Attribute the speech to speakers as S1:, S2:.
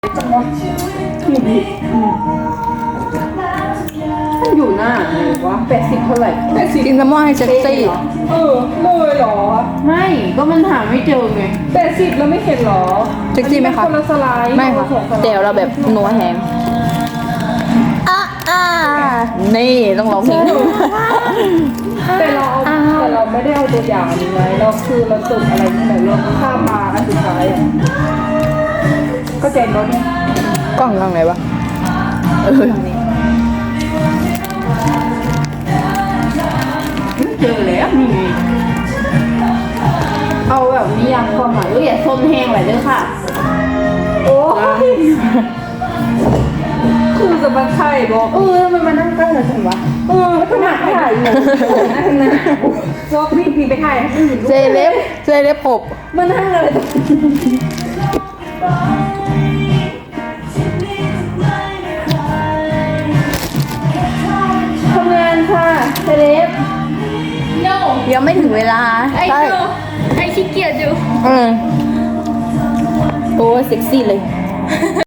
S1: จังวะมันอยู่หน้าไหนวะ80เท่าไหร่80
S2: กินแซลมอนให้เซ็กซี่
S1: เลยเหรอไม่ก็มันหาไม่เจอไง80แล้วไม่เห็นเหรอ
S2: เซ็กซี่ไหมคะ
S1: คนละสไลด์
S2: ไม่ค่ะเดี๋ยวเราแบบนัวแฮงนี่ต้องร้องเพลง
S1: แต่เราไม่ได้เอาตัวอย่างอันนี้ไว้เราคือเราจดอะไรนี่ไหนเราข้ามมาอันสุดท้ายก็เจ๋งรถเนี่ย
S2: กล้องทางไหนวะ
S1: ไม่เจอแล้วนี่ไงเอาแบบนิยามความหมายอย่าส้มแห้งไหลเด้อค่ะโอ้ยคือจะมาไข่บอกทำไมมานั่งใกล้เราจังวะขนาดถ่ายอยู่นั่งนะพวกพี่ไปถ่ายให้อื่น
S2: เจเล็บหบ
S1: มานั่งอะไรทำงานค่ะเซเลบ
S3: no
S2: ยังไม่ถึงเวลา
S3: I know ไอขี้เกียจอยู่
S2: โอ้เซ็กซี่เลย